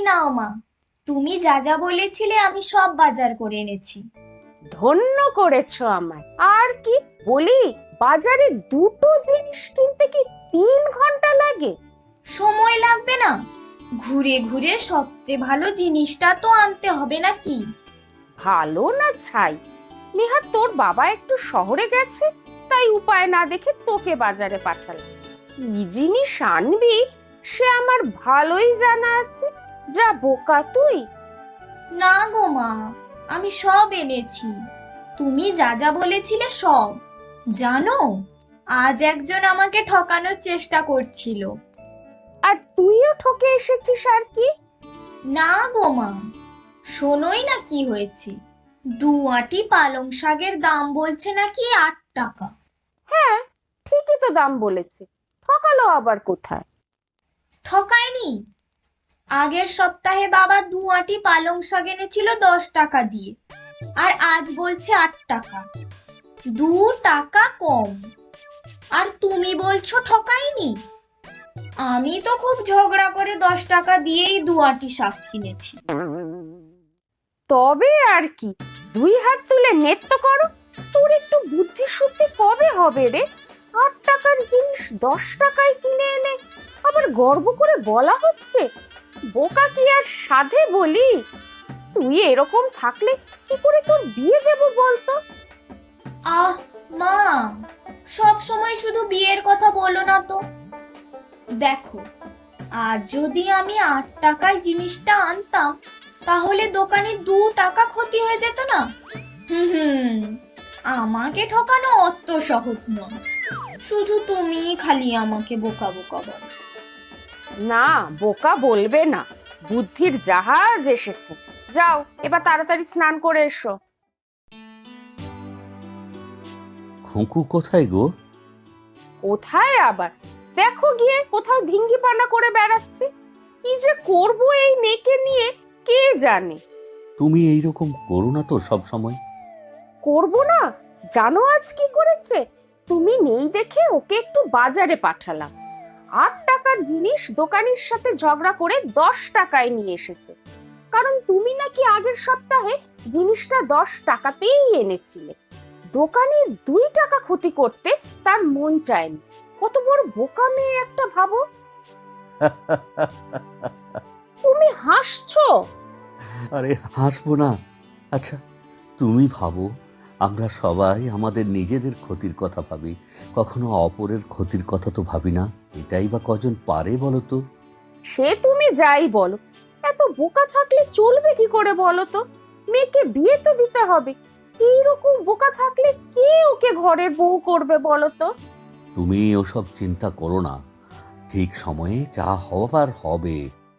নাও মা, তুমি যা যা বলেছিলে আমি সব বাজার করে এনেছি। ধন্য করেছো আমায়। আর কি বলি, বাজারে দুটো জিনিস কিনতে কি 3 ঘন্টা লাগে? সময় লাগবে না? ঘুরে ঘুরে সবচেয়ে ভালো জিনিসটা তো আনতে হবে নাকি? ভালো না ছাই, নেহাত তোর বাবা একটু শহরে গেছে, তাই উপায় না দেখে তোকে বাজারে পাঠালাম। কি জিনিস আনবি সে আমার ভালোই জানা আছে। যা বোকা তুই! না গো মা, আমি সব এনেছি। তুমি যা যা বলেছিলে সব। জানো, আজ একজন আমাকে ঠকানোর চেষ্টা করছিল। আর তুইও ঠকে এসেছিস আর কি? না গো মা, শোনোই না কি হয়েছে। 2 আঁটি পালং শাকের দাম বলছে নাকি 8 টাকা। হ্যাঁ, ঠিকই তো দাম বলেছে, ঠকালো আবার কোথায়? ঠকায়নি। আগের সপ্তাহে বাবা 2 আঁটি পালং শাক এনেছিল 10 টাকা দিয়ে, আর আজ বলছে 8 টাকা। 2 টাকা কম। আর তুমি বলছো ঠকায়নি? আমি তো খুব ঝগড়া করে 10 টাকা দিয়েই 2 আঁটি শাক কিনেছি। তবে আর কি, 2 হাত তুলে নেত্য করো। তোর একটু বুদ্ধি শুদ্ধি কবে হবে রে? 8 টাকার জিনিস 10 টাকায় কিনে এনে আবার গর্ব করে বলা হচ্ছে বোকা কি আর সাধে বলি? তুই এরকম থাকলে কি করে তোর বিয়ে দেব বলতো? আহ মা, সব সময় শুধু বিয়ের কথা বলো না তো। দেখো, আজ যদি আমি 8 টাকায় জিনিসটা আনতাম, তাহলে দোকানে 2 টাকা ক্ষতি হয়ে যেত না? হুম, আমাকে ঠকানো অত সহজ নয়। শুধু তুমি খালি আমাকে বোকা বোকা বলো। না, বোকা বলবে না, বুদ্ধির জাহাজ এসেছে। যাও এবার তাড়াতাড়ি স্নান করে এসো। খুঁকু কোথায় গো? কোথায় আবার, দেখো গিয়ে কোথাও ধিঙ্গি পানা করে বেড়াচ্ছে। কি যে করব এই মেয়েকে নিয়ে কে জানে। তুমি এইরকম করো না তো সব সময়। করব না? জানো আজ কি করেছে? তুমি নেই দেখে ওকে একটু বাজারে পাঠালাম। 8 টাকার জিনিস দোকানির সাথে ঝগড়া করে 10 টাকায় নিয়ে এসেছে। কারণ তুমি নাকি আগের সপ্তাহে জিনিসটা 10 টাকাতেই এনেছিলে। দোকানির 2 টাকা ক্ষতি করতে তার মন চায়নি। কত বড় বোকা মেয়ে একটা, ভাবো। তুমি হাসছো? আরে হাসবো না? আচ্ছা, তুমি ভাবো, আমরা সবাই আমাদের নিজেদের ক্ষতির কথা ভাবি, কখনো অপরের ক্ষতির কথা তো ভাবি না। এটাই বা কজন পারে বলো তো? সে তুমি যাই বলো, এত বোকা থাকলে চলবে কি করে বলো তো? মেয়েকে বিয়ে তো দিতে হবে। এইরকম বোকা থাকলে কে ওকে ঘরের বউ করবে বলো তো? তুমি ওসব চিন্তা করো না, ঠিক সময়ে যা হবার হবে।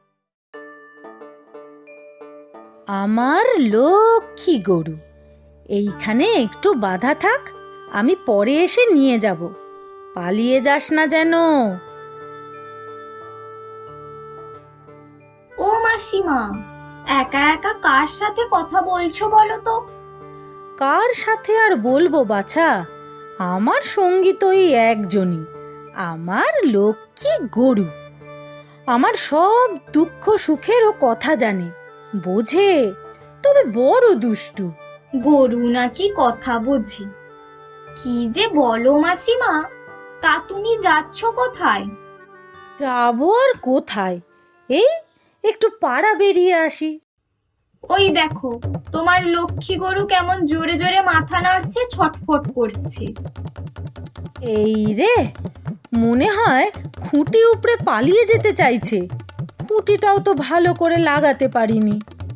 আমার লক্ষ্মী গরু, এইখানে একটু বাধা থাক, আমি পরে এসে নিয়ে যাব। পালিয়ে যাস না যেন। ও মাসিমা, একা একা কার সাথে কথা বলছো বলো তো? কার সাথে আর বলবো বাছা, আমার সঙ্গী তো এই একজনই, আমার লক্ষ্মী গরু। আমার সব দুঃখ সুখেরও কথা জানে, বোঝে, তবে বড় দুষ্টু। গরু নাকি কথা বোঝে? কি যে বলো মাসিমা, তা তুমি যাচ্ছ কোথায়? যাবো আর কোথায়, এই একটু পাড়া বেরিয়ে আসি। ওই দেখো, তোমার লক্ষ্মী গরু কেমন জোরে জোরে মাথা নাড়ছে, ছটফট করছে। এই রে, মনে হয় খুঁটি উপড়ে পালিয়ে যেতে চাইছে। খুঁটিটাও তো ভালো করে লাগাতে পারিনি।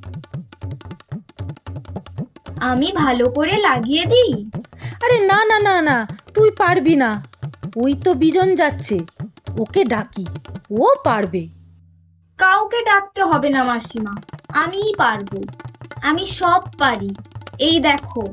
আমি ভালো করে লাগিয়ে দিই? আরে না না না না, তুই পারবি না। ওই তো বিজন যাচ্ছে, ওকে ডাকি, ও পারবে। কাউকে ডাকতে হবে না মাসিমা, আমিই পারবো। আমি সব পারি। এই দেখো।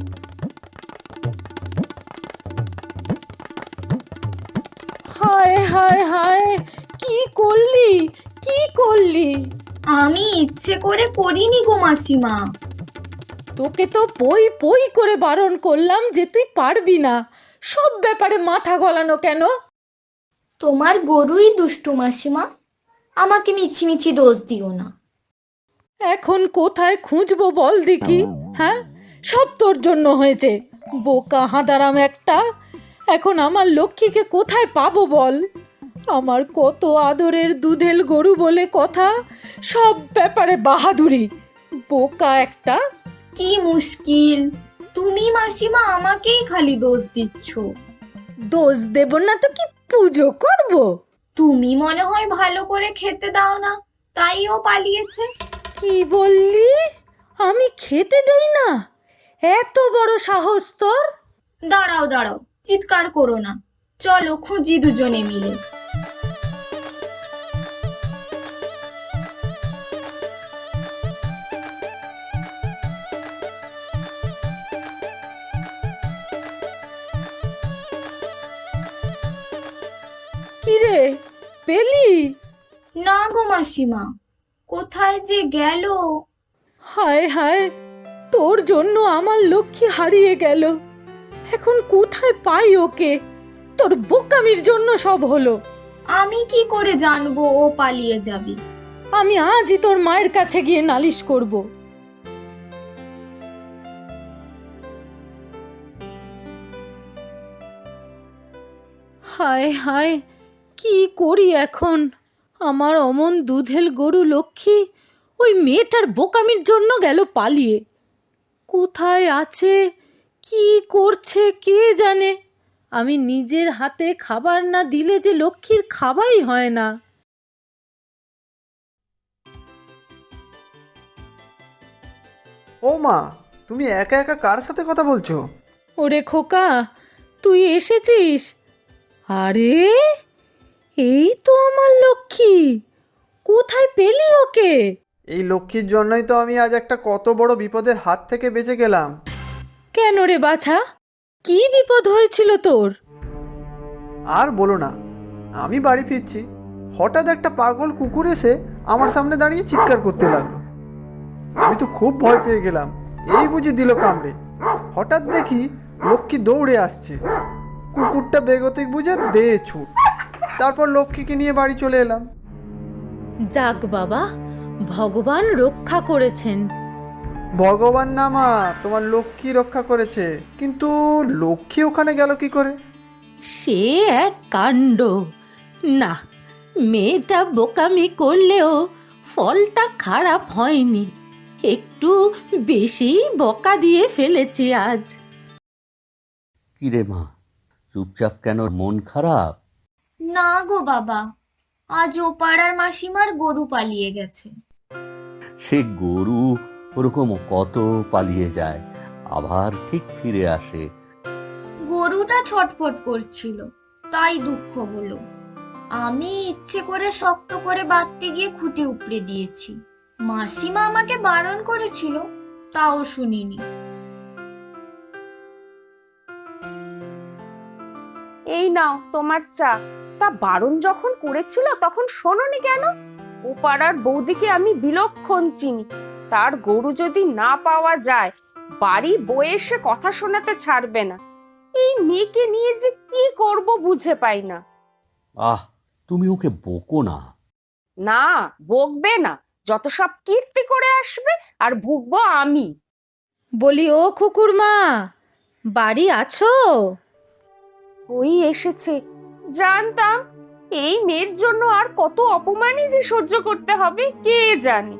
হায় হায় হায়, কি করলি, কি করলি? আমি ইচ্ছে করে করিনি গো মাসিমা। তোকে তো পই পই করে বারণ করলাম যে তুই পারবি না। সব ব্যাপারে মাথা গলানো কেন? তোমার গরুই দুষ্টু মাসিমা, আমাকে মিছিমিছি দোষ দিও না। এখন কোথায় খুঁজবো বল দেখি? হ্যাঁ, সব তোর জন্য হয়েছে, বোকা হাঁদারাম একটা। এখন আমার লক্ষ্মীকে কোথায় পাবো বল? আমার কত আদরের দুধেল গরু বলে কথা, সব ব্যাপারে বাহাদুরি, বোকা একটা। কি মুশকিল, তুমি মাসিমা আমাকেই খালি দোষ দিচ্ছ। দোষ দেব না তো কি পুজো করব? তুমি মনে হয় ভালো করে খেতে দাও না, তাই ও পালিয়েছে। কি বললি? আমি খেতে দেই না? এত বড় সাহস তোর? দাঁড়াও দাঁড়াও, চিৎকার করো না, চলো খুঁজি দুজনে মিলে। কি রে, পেলি? না গো মাসিমা, কোথায় যে গেল। হায় হায়, তোর জন্য আমার লক্ষ্মী হারিয়ে গেল। এখন কোথায় পাই ওকে? তোর বোকামির জন্য সব হলো। আমি কি করে জানবো ও পালিয়ে যাবে? আমি আজই তোর মায়ের কাছে গিয়ে নালিশ করব। হায় হায়, কি করি এখন? আমার অমন দুধেল গরু লক্ষ্মী ওই মেয়েটার বোকামির জন্য গেল পালিয়ে। কোথায় আছে, কি করছে কে জানে? আমি নিজের হাতে খাবার না দিলে যে লক্ষ্মীর খাওয়াই হয় না। ও মা, তুমি একা একা কার সাথে কথা বলছো? ওরে খোকা, তুই এসেছিস? আরে, এই তো আমার লক্ষ্মী। কোথায় পেলি ওকে? এই লক্ষ্মীর জন্যই তো আমি আজ একটা কত বড় বিপদের হাত থেকে বেঁচে গেলাম। কেন রে বাছা, কি বিপদ হয়েছিল তোর? আর বলো না, আমি বাড়ি ফিরছি, হঠাৎ একটা পাগল কুকুর এসে আমার সামনে দাঁড়িয়ে চিৎকার করতে লাগলো। আমি তো খুব ভয় পেয়ে গেলাম, এই বুঝি দিল কামড়ে। হঠাৎ দেখি লক্ষ্মী দৌড়ে আসছে, কুকুরটা বেগতিক বুঝে দে ছুট। তারপর লক্ষ্মীকে নিয়ে বাড়ি চলে এলাম। যাক বাবা, ভগবান রক্ষা করেছেন। ভগবান না মা, তোমার লক্ষ্মী রক্ষা করেছে। কিন্তু লক্ষ্মী ওখানে গেল কি করে? সে এক কাণ্ড। না, মেয়েটা বোকামি করলেও ফলটা খারাপ হয়নি। একটু বেশি বকা দিয়ে ফেলেছি আজ। কিরে মা, চুপচাপ কেন, মন খারাপ? না গো বাবা, আজ ও পাড়ার মাসিমার গরু পালিয়ে গেছে। সে গরু ওরকম কত পালিয়ে যায়, আবার ঠিক ফিরে আসে। গরুটা ছটফট করছিল, তাই দুঃখ হলো। আমি ইচ্ছে করে শক্ত করে বাঁধতে গিয়ে খুঁটে উপড়ে দিয়েছি। মাসিমা আমাকে বারণ করেছিল, তাও শুনিনি। এই নাও তোমার চা। তা বারণ যখন করেছিল তখন শোনোনি কেন? ও পাড়ার বৌদিকে আমি বিলক্ষণ চিনি। তার গরু যদি না পাওয়া যায়, বাড়ি বয়ে এসে কথা শোনাতে ছাড়বে না। এই মেয়েকে নিয়ে যে কি করব বুঝে পাই না। আহ, তুমি ওকে বকো না। না, বকবে না, যত সব কীর্তি করে আসবে আর ভুগবো আমি। বলি ও কুকুর মা, বাড়ি আছো? ওই এসেছে। জানতাম এই মেয়ের জন্য আর কত অপমানই যে সহ্য করতে হবে কে জানে।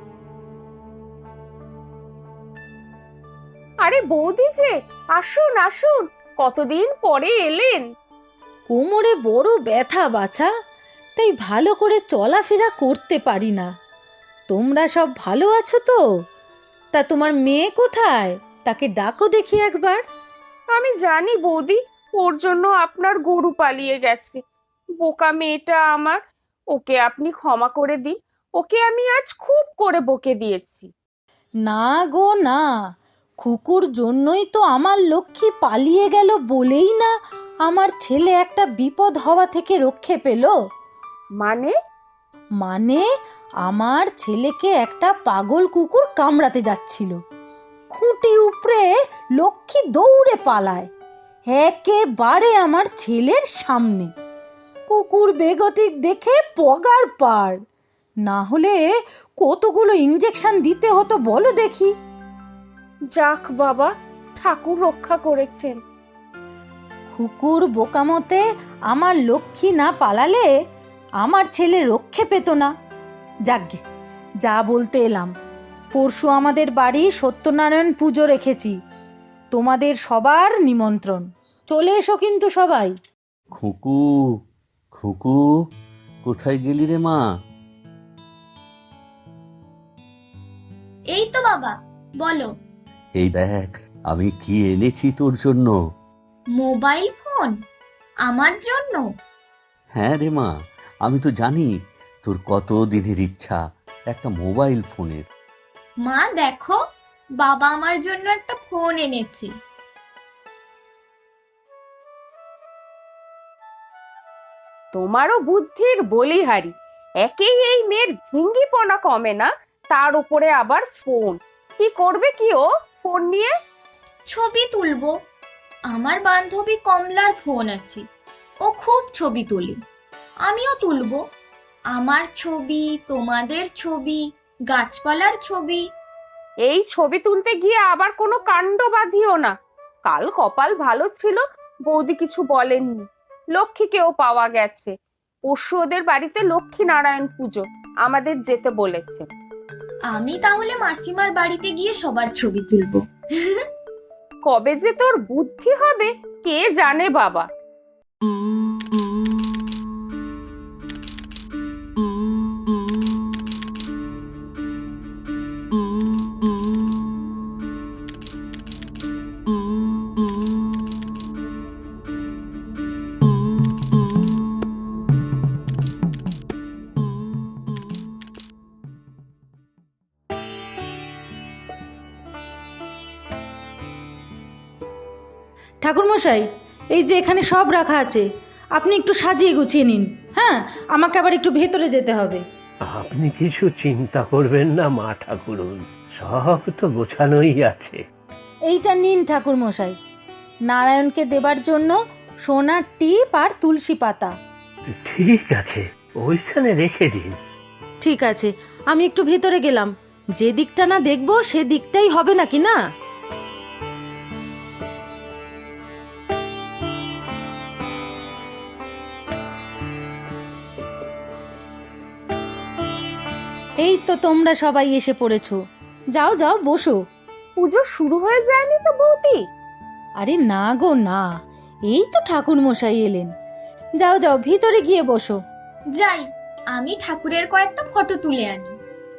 আরে বৌদি যে, আসুন আসুন, কতদিন পরে এলেন। কোমরে বড় ব্যথা বাছা, তাই ভালো করে চলাফেরা করতে পারি না। তোমরা সব ভালো আছো তো? তা তোমার মেয়ে কোথায়? তাকে ডাকো দেখি একবার। আমি জানি বৌদি, ওর জন্য আপনার গরু পালিয়ে গেছে। বোকা মেয়েটা আমার, ওকে আপনি ক্ষমা করে দিন। ওকে আমি আজ খুব করে বকে দিয়েছি। না গো না, খুকুর জন্যই তো আমার লক্ষ্মী পালিয়ে গেল বলেই না আমার ছেলে একটা বিপদ হওয়া থেকে রক্ষে পেল। মানে? মানে আমার ছেলেকে একটা পাগল কুকুর কামড়াতে যাচ্ছিল, খুঁটি উপড়ে লক্ষ্মী দৌড়ে পালায় একেবারে আমার ছেলের সামনে। কুকুর বেগতিক দেখে পগার পার, না হলে কতগুলো ইঞ্জেকশন দিতে হতো বলো দেখি। যাক বাবা, ঠাকুর রক্ষা করেছেন। কুকুর বোকামতে আমার লক্ষ্মী না পালালে আমার ছেলে রক্ষে পেত না। যাগ্গে, যা বলতে এলাম, পরশু আমাদের বাড়ি সত্যনারায়ণ পুজো রেখেছি, তোমাদের সবার নিমন্ত্রণ, চলে এসো কিন্তু সবাই। খুকু, খুকু, কোথায় গেলি রে মা? এই তো বাবা, বলো। এই দেখ আমি কি এনেছি তোর জন্য। Mobile phone? আমার জন্য? হ্যাঁ রে মা, আমি তো জানি তোর কত দিনের ইচ্ছা একটা মোবাইল ফোনের। মা দেখো, বাবা আমার জন্য একটা ফোন এনেছে। তোমারও বুদ্ধির বলিহারি। একেই এই মেয়ের ভঙ্গিপনা কমে না, তার উপরে আবার ফোন। কি করবে কি ও ফোন নিয়ে? ছবি তুলবো। আমার বান্ধবী কমলার ফোন আছে, ও খুব ছবি তোলে, আমিও তুলবো। আমার ছবি, তোমাদের ছবি, গাছপালার ছবি। এই ছবি তুলতে গিয়ে আবার কোনো কাণ্ড বাঁধিও না। কাল কপাল ভালো ছিল, বৌদি কিছু বলেননি। লক্ষ্মীকেও পাওয়া গেছে। পরশু ওদের বাড়িতে লক্ষ্মী নারায়ণ পুজো, আমাদের যেতে বলেছে। আমি তাহলে মাসিমার বাড়িতে গিয়ে সবার ছবি তুলবো। কবে যে তোর বুদ্ধি হবে কে জানে বাবা। ঠাকুরমশাই, এই যে এখানে সব রাখা আছে, আপনি একটু সাজিয়ে গুছিয়ে নিন। হ্যাঁ, আমাকে আবার একটু ভেতরে যেতে হবে। আপনি কিছু চিন্তা করবেন না মা ঠাকুরুন, সব তো গোছানোই আছে। এইটা নিন ঠাকুরমশাই, নারায়ণকে দেবার জন্য সোনার টিপ আর তুলসী পাতা। ঠিক আছে, ওইখানে রেখে দিন। ঠিক আছে, আমি একটু ভেতরে গেলাম। যে দিকটা না দেখবো সে দিকটাই হবে নাকি না? এই তো তোমরা সবাই এসে পড়েছো, যাও যাও বসো। পুজো শুরু হয়ে যায়নি তো বৌদি? আরে না গো না, এই তো ঠাকুর মশাই এলেন। যাও যাও ভিতরে গিয়ে বসো। যাই, আমি ঠাকুরের কয়েকটা ফটো তুলে আনি।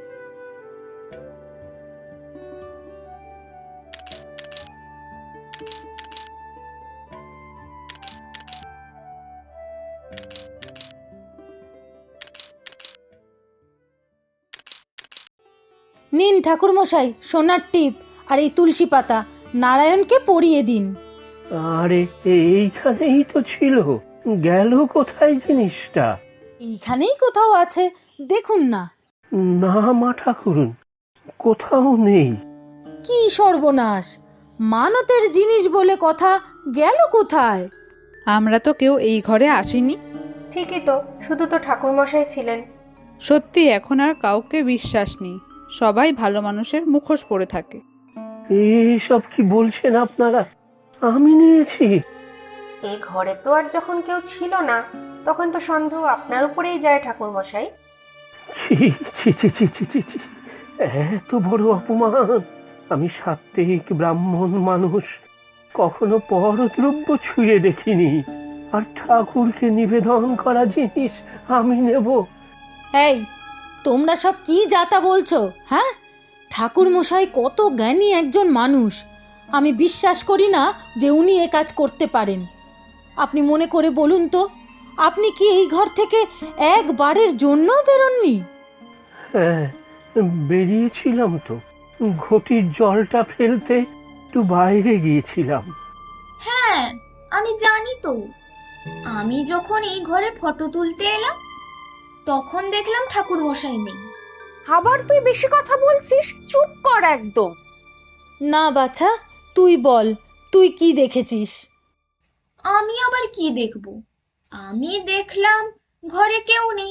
নিন ঠাকুর মশাই সোনার টিপ আর এই তুলসী পাতা, নারায়ণকে পরিয়ে দিন। আরে এইখানেই তো ছিল, গেল কোথায় জিনিসটা? এইখানেই কোথাও আছে, দেখুন না। না মা ঠাকুরুন, কোথাও নেই। কি সর্বনাশ, মানতের জিনিস বলে কথা, গেল কোথায়? আমরা তো কেউ এই ঘরে আসিনি। ঠিকই তো, শুধু তো ঠাকুরমশাই ছিলেন। সত্যি এখন আর কাউকে বিশ্বাস নেই, সবাই ভালো মানুষের মুখোশ পরে থাকে। এইসব কি বলছেন আপনারা? আমি নিয়েছি? এই ঘরে তো আর যখন কেউ ছিল না, তখন তো সন্দেহ আপনার উপরেই যায় ঠাকুরমশাই। ছি ছি ছি ছি ছি ছি ছি, এত বড় অপমান! আমি সাত্ত্বিক ব্রাহ্মণ মানুষ, কখনো পরদ্রব্য ছুঁয়ে দেখিনি, আর ঠাকুরকে নিবেদন করা জিনিস আমি নেব? এই তোমরা সব কি যাতা বলছো? হ্যাঁ, ঠাকুর মশাই কত জ্ঞানী একজন মানুষ, আমি বিশ্বাস করি না যে উনি এ কাজ করতে পারেন। আপনি মনে করে বলুন তো, আপনি কি এই ঘর থেকে একবারের জন্য বেরোননি? হ্যাঁ, বেরিয়েছিলাম তো, ঘটির জলটা ফেলতে একটু বাইরে গিয়েছিলাম। হ্যাঁ, আমি জানি তো। আমি যখন এই ঘরে ফটো তুলতে এলাম, তখন দেখলাম ঠাকুর মশাই নেই। আবার তুই বেশি কথা বলছিস, চুপ কর একদম। না বাছা, তুই বল, তুই কি দেখেছিস? আমি আবার কি দেখব? আমি দেখলাম ঘরে কেউ নেই,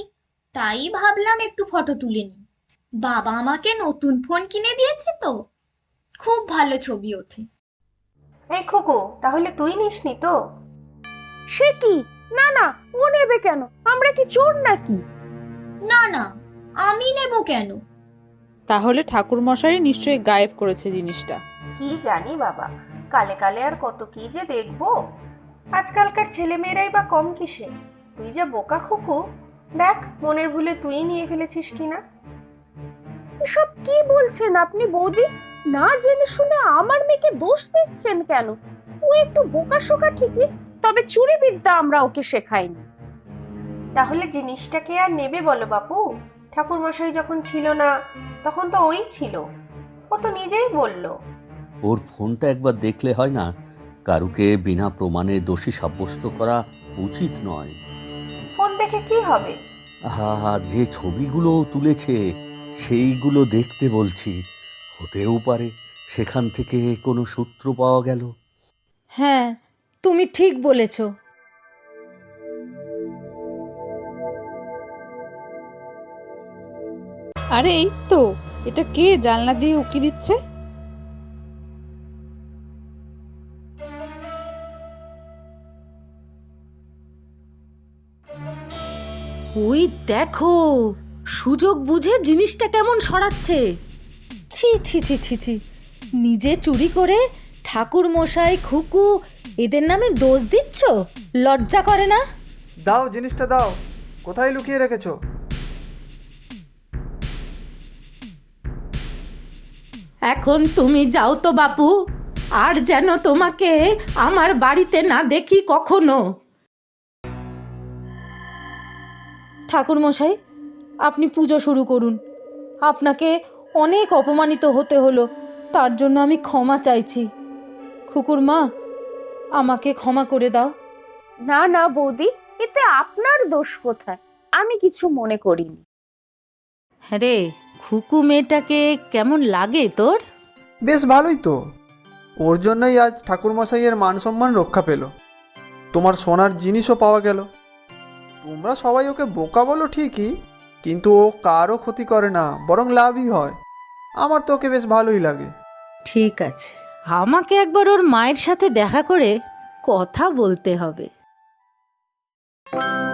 তাই ভাবলাম একটু ফটো তুলে নিই। বাবা আমাকে নতুন ফোন কিনে দিয়েছে তো, খুব ভালো ছবি ওঠে। এই খোকো, তাহলে তুই নিসনি তো? সে কি? না না, ও নেবে কেন? আমরা কি চোর নাকি? না না, আমি নেব কেন? তাহলে ঠাকুরমশাই নিশ্চয়ই গায়েব করেছে জিনিসটা। কি জানি বাবা, কালে কালে আর কত কি যে দেখবো। আজকালকার ছেলেমেয়েরাই বা কম কিসে। তুই যা বোকা খোকো, দেখ মনের ভুলে তুই নিয়ে ফেলেছিস কিনা। এসব কি বলছেন আপনি বৌদি? না জেনে শুনে আমার মেয়েকে দোষ দিচ্ছেন কেন? ও একটু বোকাশোকা ঠিকই, তবে চুরি বিদ্যা আমরা ওকে শেখাইনি। তাহলে জিনিসটাকে আর নেবে বলো বাপু? ঠাকুরমশাই যখন ছিল না তখন তো ওই ছিল, ও তো নিজেই বললো। ওর ফোনটা একবার দেখলে হয় না? কারুকে বিনা প্রমাণে দোষী সাব্যস্ত করা উচিত নয়। ফোন দেখে কি হবে? হা, যে ছবিগুলো ও তুলেছে সেইগুলো দেখতে বলছি। হতেও পারে সেখান থেকে কোনো সূত্র পাওয়া গেল। হ্যাঁ, তুমি ঠিক বলেছ। আরে এই তো, এটা কে জানলা দিয়ে উকি দিচ্ছে? ওই দেখো, সুযোগ বুঝে জিনিসটা কেমন সরাচ্ছে। ছি ছি ছি ছি ছি, নিজে চুরি করে ঠাকুর মশাই, খুকু এদের নামে দোষ দিচ্ছ? লজ্জা করে না? দাও জিনিসটা দাও, কোথায় লুকিয়ে রেখেছো? এখন তুমি যাও তো বাপু, আর যেন তোমাকে আমার বাড়িতে না দেখি কখনো। ঠাকুর মশাই, আপনি পুজো শুরু করুন। আপনাকে অনেক অপমানিত হতে হলো, তার জন্য আমি ক্ষমা চাইছি। খুকুর মা, আমাকে ক্ষমা করে দাও। না না বৌদি, এতে আপনার দোষ কোথায়? আমি কিছু মনে করিনি। হ্যাঁ রে, খুকু মেয়েটাকে কেমন লাগে তোর? বেশ ভালোই তো। ওর জন্যই আজ ঠাকুরমশাইয়ের মান সম্মান রক্ষা পেল, তোমার সোনার জিনিসও পাওয়া গেল। তোমরা সবাই ওকে বোকা বলো ঠিকই, কিন্তু ও কারও ক্ষতি করে না, বরং লাভই হয়। আমার তো ওকে বেশ ভালোই লাগে। ঠিক আছে, আমাকে একবার ওর মায়ের সাথে দেখা করে কথা বলতে হবে।